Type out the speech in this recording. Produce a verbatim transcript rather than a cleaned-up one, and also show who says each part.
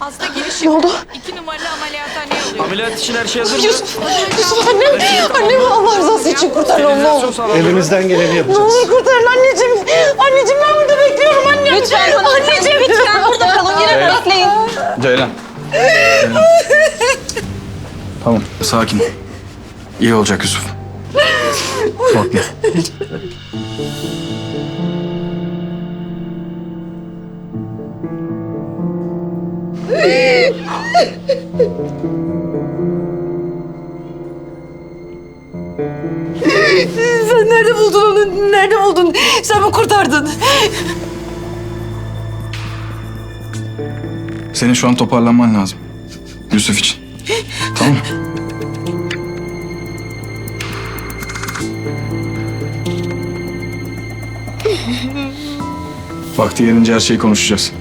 Speaker 1: Hasta girişi.
Speaker 2: Ne oldu?
Speaker 1: İki numaralı ameliyathaneye alıyor.
Speaker 3: Ameliyat için her şey hazır mı?
Speaker 2: Yusuf, Yusuf annem, annemi Allah rızası için kurtar oğlum ne olur.
Speaker 4: Elimizden geleni
Speaker 2: Ne
Speaker 4: yapacağız.
Speaker 2: olur kurtarın anneciğim. Anneciğim ben burada bekliyorum annem.
Speaker 5: Lütfen bana anneciğim lütfen burada kalın yine bekleyin.
Speaker 3: Ceylan. Ceylan. Tamam, sakin. İyi olacak Yusuf. Korkma.
Speaker 2: Sen nerede buldun onu? Nerede buldun? Sen mi kurtardın?
Speaker 3: Senin şu an toparlanman lazım. Yusuf için. Tamam mı? Vakti gelince her şeyi konuşacağız.